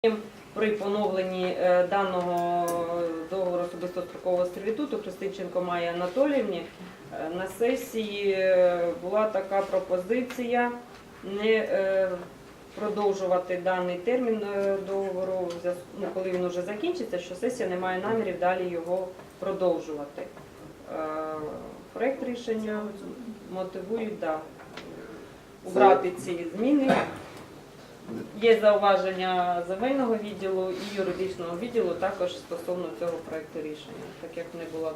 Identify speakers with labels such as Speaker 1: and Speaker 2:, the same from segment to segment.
Speaker 1: При поновленні даного договору особисто-строкового сервітуту Христинченко Майї Анатоліївні на сесії була така пропозиція не продовжувати даний термін договору, коли він вже закінчиться, що сесія не має намірів далі його продовжувати. Проект рішення мотивують убрати ці зміни. Є зауваження земельного відділу і юридичного відділу також стосовно цього проекту рішення, так як не було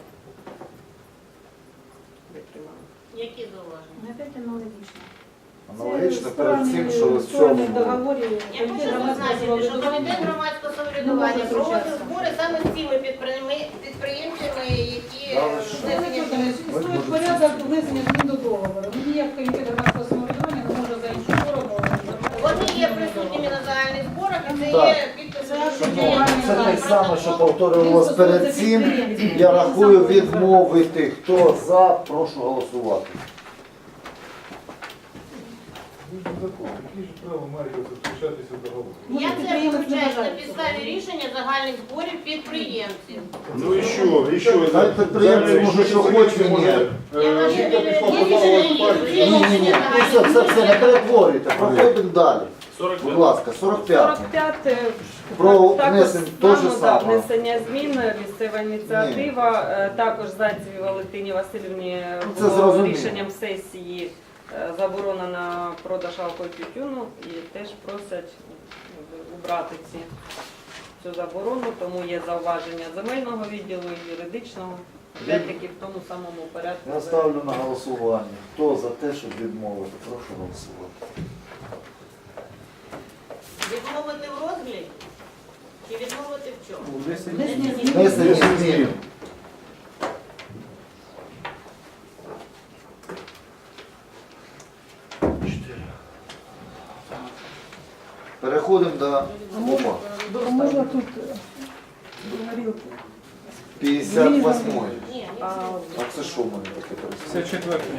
Speaker 1: витримано.
Speaker 2: Які зауваження?
Speaker 3: Опять аналогічно.
Speaker 4: Аналогічно перед цим, що в цьому
Speaker 3: договорі.
Speaker 2: Я хочу зазначити, що Комітет громадського самоврядування проводив збори саме з цими підприємцями, які внесені.
Speaker 3: Існує порядок внесення змін до договору. Ніяк Комітет громадського самоврядування не може за іншу форму.
Speaker 2: Вони є присутніми на загальних зборах, і це є підписи.
Speaker 4: це те саме, що повторювалося перед цим. Я рахую відмовити. Хто за, прошу голосувати.
Speaker 5: Які ж права має заключатися договор?
Speaker 2: Я це включаю на підставі рішення загальних зборів підприємців.
Speaker 5: Ну і що?
Speaker 4: Хай підприємці може що хоче, ні.
Speaker 5: Жінка пішла
Speaker 4: Ні. Все, не перетворюйте. Проходимо далі. Будь ласка, 45.
Speaker 1: 45
Speaker 4: Про
Speaker 1: також
Speaker 4: внесення те ж
Speaker 1: само,
Speaker 4: саме.
Speaker 1: внесення змін, місцева ініціатива, також Зайцевій Валентині Васильівні
Speaker 4: Це
Speaker 1: було
Speaker 4: зрозуміло.
Speaker 1: рішенням сесії заборона на продаж алкоголю і тютюну і теж просять убрати цю заборону, тому є зауваження земельного відділу і юридичного, опять-таки в тому самому порядку.
Speaker 4: Я ставлю на голосування. Хто за те, щоб відмовити, прошу голосувати.
Speaker 2: Відмовити в розгляді чи відмовити в чому?
Speaker 4: Внесення змін. Переходимо до опа.
Speaker 3: Можна тут говорилки.
Speaker 4: 58.
Speaker 2: Ні,
Speaker 1: А,
Speaker 4: А це що в мене таке пересвідчення?
Speaker 6: Це четверте.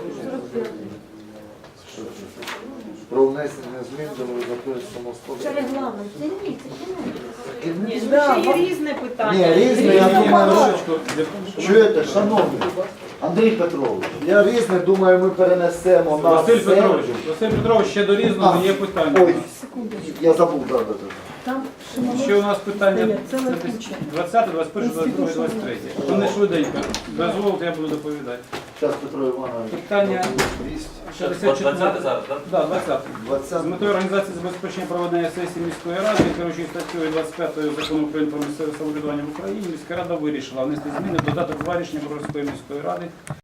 Speaker 4: Що це? Про внесення змін до закону самосподарства.
Speaker 3: регламент.
Speaker 1: ні, ще є різне питання.
Speaker 4: Ні, різне, я думаю,
Speaker 6: Що?
Speaker 4: чуєте, шановні, Андрій Петрович, я різне, думаю, ми перенесемо на
Speaker 6: Василь
Speaker 4: середу.
Speaker 6: Петрович, ще до різного є питання.
Speaker 4: Ой, я забув, да.
Speaker 3: Там
Speaker 6: Ще у нас питання
Speaker 3: Є ціла куча.
Speaker 6: 20, 21, 22, 23. Вони швиденько. Дозволите, я буду доповідати.
Speaker 4: Зараз Петро Іванович.
Speaker 6: Питання 64.
Speaker 7: 20 зараз, так?
Speaker 6: Да, 20.
Speaker 4: 20.
Speaker 6: З метою організації забезпечення проведення сесії міської ради, керуючись статтею 25 Закону України про місцеве самоврядування в Україні, міська рада вирішила внести зміни в додаток 2 рішення Броварської міської ради